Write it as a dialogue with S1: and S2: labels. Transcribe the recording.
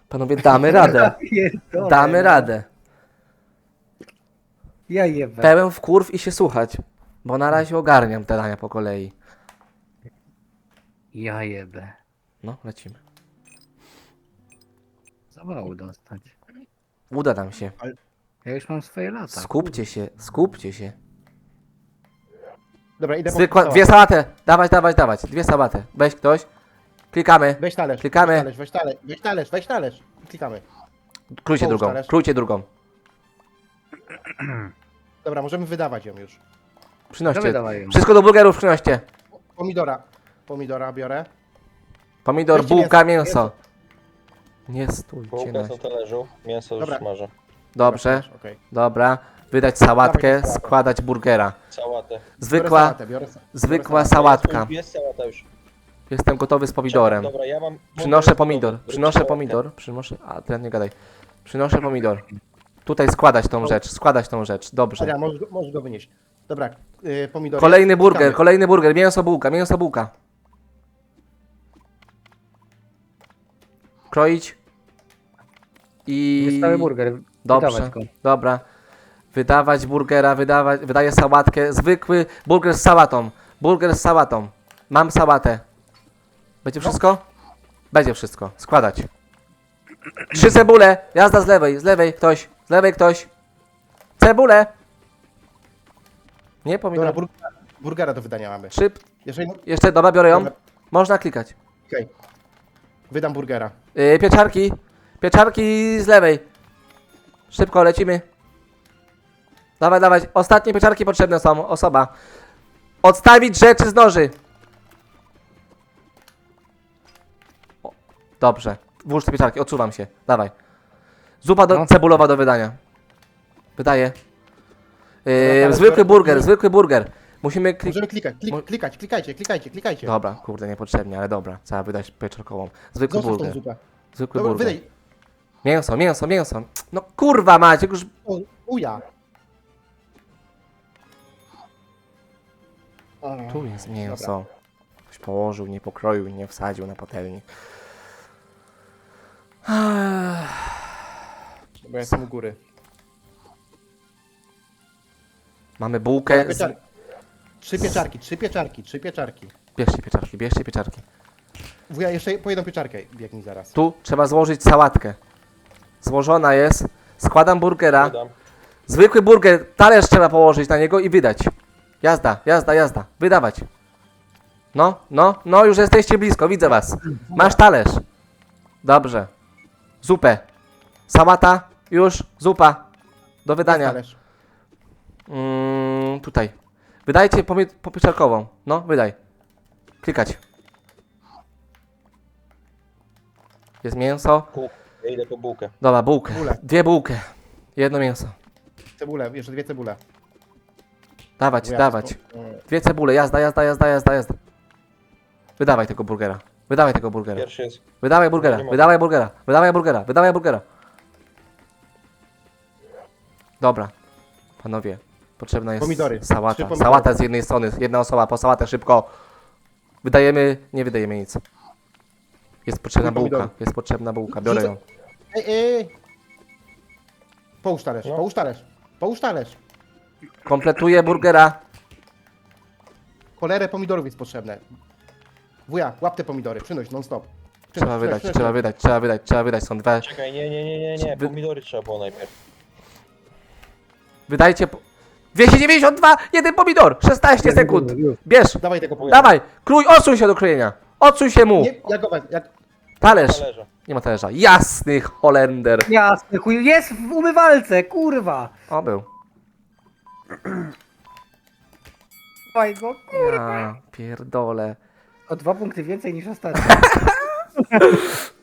S1: Panowie, damy radę.
S2: Pierdolę,
S1: Damy
S2: no.
S1: radę.
S2: Ja jebę.
S1: Pełen wkurw i się słuchać. Bo na razie ogarniam te dania po kolei.
S2: Ja jebę.
S1: No, lecimy.
S2: Zawału dostać.
S1: Uda nam się.
S2: Ja już mam swoje lata.
S1: Skupcie się, skupcie się.
S3: Dobra, idę
S1: Zwykła,
S3: po
S1: dwie sałatę. Dawać, dawać, dawać. Dwie sałaty. Weź ktoś. Klikamy.
S3: Weź talerz,
S1: Klikamy.
S3: weź talerz, weź talerz, weź talerz. Klikamy.
S1: Krójcie
S3: Połóż
S1: drugą.
S3: talerz.
S1: Krójcie drugą.
S3: Dobra, możemy wydawać ją już.
S1: Przynoście.
S2: Dawaj ją.
S1: Wszystko do burgerów przynoście.
S3: Pomidora biorę.
S1: Pomidor,
S3: Weźcie
S1: bułka,
S3: mięso,
S1: mięso. Nie stójcie
S4: Bułka
S1: na
S4: jest na talerzu, mięso już
S3: Dobra.
S4: smażę.
S1: Dobrze,
S3: Okej.
S1: dobra. Wydać sałatkę,
S3: Dawaj tę sałatę.
S1: składać burgera.
S4: Sałatę.
S1: Zwykła,
S3: Biorę
S1: zwykła
S3: sałatę.
S1: sałatka.
S4: Jest sałata już.
S1: Jestem gotowy z pomidorem.
S4: Dobra, ja mam...
S1: Przynoszę pomidor,
S4: Zrób
S1: przynoszę
S4: sałatkę.
S1: pomidor, przynoszę... A, teraz nie gadaj. Przynoszę pomidor. Tutaj składać tą rzecz, składać tą rzecz, dobrze.
S3: Dobra, możesz go wynieść. Dobra, pomidory.
S1: Kolejny burger,
S3: Klikamy.
S1: kolejny burger, mięso bułka, mięso bułka. Kroić. I...
S2: Jest cały burger.
S1: Dobrze,
S2: Wydawać go.
S1: dobra. Wydawać burgera, wydaję sałatkę. Zwykły burger z sałatą. Burger z sałatą. Mam sałatę. Będzie wszystko? Będzie wszystko. Składać. 3 cebule. Jazda z lewej ktoś. Z lewej ktoś. Cebule. Nie,
S3: Dobra,
S1: pomidor.
S3: burgera do wydania mamy.
S1: 3.
S3: Jeżeli...
S1: Jeszcze, dobra, biorę ją.
S3: Dobra.
S1: Można klikać.
S3: Okej. Wydam burgera.
S1: Pieczarki. Pieczarki z lewej. Szybko lecimy. Dawaj, dawaj. Ostatnie pieczarki potrzebne są. Osoba. Odstawić rzeczy z noży. O, dobrze. Włóż te pieczarki. Odsuwam się. Dawaj. Zupa
S2: No.
S1: cebulowa do wydania. Wydaję.
S3: Dobra,
S1: Zwykły
S3: biorę-
S1: burger, zwykły burger. Musimy klikać.
S3: Możemy klikać. Klikajcie.
S1: Dobra, kurde, niepotrzebnie, ale dobra. Trzeba wydać pieczarkową. Zwykły
S3: Zostaw tą
S1: burger.
S3: zupę.
S1: Zwykły
S3: Dobra,
S1: burger.
S3: wydaj.
S1: Mięso, mięso, mięso. No kurwa Maciek, już...
S3: O, uja.
S1: Tu jest mięso. Ktoś położył, nie pokroił, nie wsadził na patelni.
S3: Bo ja jestem u góry.
S1: Mamy bułkę.
S3: Pieczarki. Trzy pieczarki.
S1: Bierzcie pieczarki.
S3: Wuja, jeszcze po jedną pieczarkę biegnij zaraz.
S1: Tu trzeba złożyć sałatkę. Złożona jest. Składam burgera.
S4: Dodam.
S1: Zwykły burger, talerz trzeba położyć na niego i wydać. Jazda, jazda, jazda. Wydawać. No, już jesteście blisko, widzę was. Masz talerz. Dobrze. Zupę. Sałata, już, zupa. Do wydania.
S3: Talerz.
S1: Tutaj. Wydajcie pieczarkową. No, wydaj. Klikać. Jest mięso.
S4: Ja idę po bułkę.
S1: Dobra, bułkę.
S3: Bułę.
S1: 2 bułkę. Jedno mięso.
S3: Cebulę, jeszcze 2 cebule.
S1: Dawać,
S3: Wuja,
S1: dawać.
S3: to-
S1: 2 cebule, jazda. Wydawaj tego burgera. Wydawaj tego burgera.
S4: Pierwszy jest...
S1: Wydawaj burgera.
S4: Nie ma.
S1: Wydawaj burgera. Wydawaj burgera. Wydawaj burgera. Dobra. Panowie, potrzebna jest
S3: Pomidory. 3
S1: sałata.
S3: pomidory.
S1: Sałata z jednej strony. Jedna osoba po sałatę szybko. Wydajemy, nie wydajemy nic. Jest potrzebna
S3: Trój
S1: bułka.
S3: pomidorów.
S1: Jest potrzebna bułka. Biorę ją.
S3: Ej. Połóż talerz,
S4: No.
S3: połóż talerz.
S1: Kompletuję burgera.
S3: Cholerę pomidorów jest potrzebne. Wuja, łap te pomidory, przynoś non stop.
S1: Trzeba wydać. Są 2.
S4: Czekaj, nie. Pomidory trzeba było najpierw.
S1: Wydajcie. 292! Jeden pomidor! 16 sekund! Bierz!
S3: Dawaj tego pomidora.
S1: Dawaj! Krój, odsuń się do krojenia! Odsuń się mu!
S3: Nie, jak go wezmę, jak...
S1: Talerz!
S4: Talerza.
S1: Nie ma talerza. Jasny Holender!
S2: Jasny chuj, jest w umywalce, kurwa.
S1: O, był.
S2: Dawaj go, kurwa.
S1: Ja pierdolę.
S2: O 2 punkty więcej niż ostatnio.